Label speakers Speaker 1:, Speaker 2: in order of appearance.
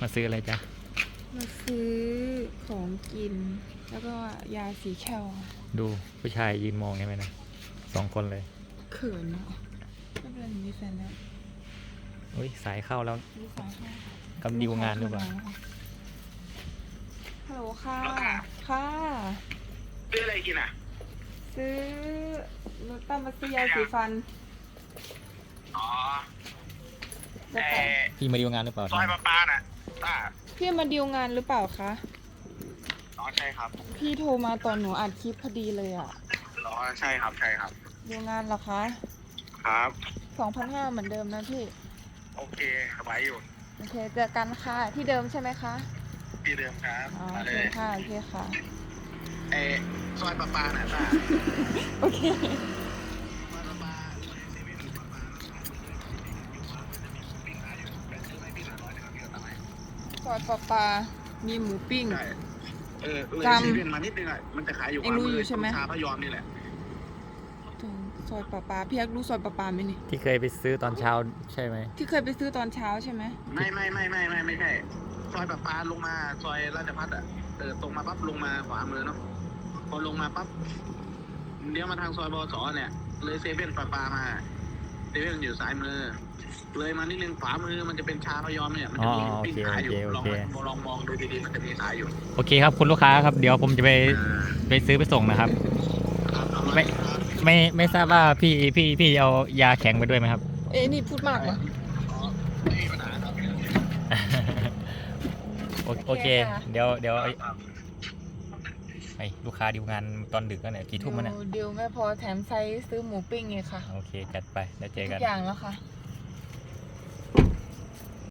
Speaker 1: มาซื้ออะไรจ๊ะ
Speaker 2: มาซื้อของกิน แล้วก็ยาสีแคล
Speaker 1: ดูผู้ชายยืนมองใช่ไหมนะ2 คนเลย
Speaker 2: เขินเนาะไม่เป็นไรมีแฟนแล้ว
Speaker 1: อุ้ยสายเข้าแล้ว
Speaker 2: มีสายค่ะ
Speaker 1: กำดิวงานหรือเปล่า
Speaker 2: ฮัลโหลค่ะ ค่ะ
Speaker 3: ซื้ออะไรกินอ่ะ
Speaker 2: ซื้อนุตั้มมาซื้อยาสีฟัน
Speaker 3: อ๋อ
Speaker 2: จะ
Speaker 3: แต่
Speaker 2: ไป
Speaker 1: พี่มาดิวงานหรือเปล่า
Speaker 3: ซอยปลาน่ะป้า
Speaker 2: พี่มาดีลงานหรือเปล่าคะ
Speaker 3: อ๋อใช่ครับ
Speaker 2: พี่โทรมาตอนหนูอัดคลิปพอดีเลยอะ
Speaker 3: อ๋อใช่ครับใช่ครับ
Speaker 2: ดีลงานเหรอคะ
Speaker 3: ครับ
Speaker 2: 2,500เหมือนเดิมนะพี่
Speaker 3: โอเคสบายอยู่
Speaker 2: โอเคเจอกันค่ะ ที่เดิมใช่ไหมคะ
Speaker 3: ที่เดิมครับ
Speaker 2: อ๋อ
Speaker 3: มา
Speaker 2: โอ
Speaker 3: เล
Speaker 2: เค
Speaker 3: ย
Speaker 2: ค่ะ โอเคค่ะ
Speaker 3: เออซอยปลาน่ะป้า
Speaker 2: โอเค
Speaker 3: ซอยปลาเซเว่นปลา
Speaker 2: ซอยปลามีหมูปิ้ง
Speaker 3: ใช่เลยเซเว่นมานิดนึงอ่ะมันจะขายอยู่
Speaker 2: เอ็งรู้อยู่ใช่ไหม
Speaker 3: ชาพยอมนี่แหละ
Speaker 2: ซอยปลาพี่แอ๊กรู้ซอยปลาไหมนี่
Speaker 1: ที่เคยไปซื้อตอนเช้าใช่ไหม
Speaker 2: ที่เคยไปซื้อตอนเช้าใช่ไหม
Speaker 3: ไม่ใช่ซอยปลาลงมาซอยราชพัฒน์อ่ะตรงมาปั๊บลงมาขวามือเนาะพอลงมาปั๊บเดี๋ยวมาทางซอยบสเนี่ยเลยเซเว่นปลามาเซเว่นอยู่ซ้ายมือ เลยมานิดนึงขวามือมันจะเป็นชาพยอมเนี่ยมันจะมีปิ้งขายอยู่ลองมองดูดีๆมันจะมีขายอยู่
Speaker 1: โอเคครับคุณลูกค้าครับเดี๋ยวผมจะไปซื้อไปส่งนะครับ ไม่ทราบว่าพี่เอายาแข็งไปด้วยไหมครับ
Speaker 2: เอ๊ะนี่พูดมากเหรอ
Speaker 3: ไม่มีปัญหาครับ
Speaker 1: โอเคเดี๋ยวไอ้ลูกค้าดิวงานตอนดึกแล้วเนี่ยกี่ทุ่มแล้วเนี่ย
Speaker 2: เดียวไม่พอแถมไซส์ซื้อหมูปิ้งไงค่ะ
Speaker 1: โอเคจัดไปแล้วเจอ
Speaker 2: ทุ
Speaker 1: กัน
Speaker 2: กอย่างแล้วค่ะ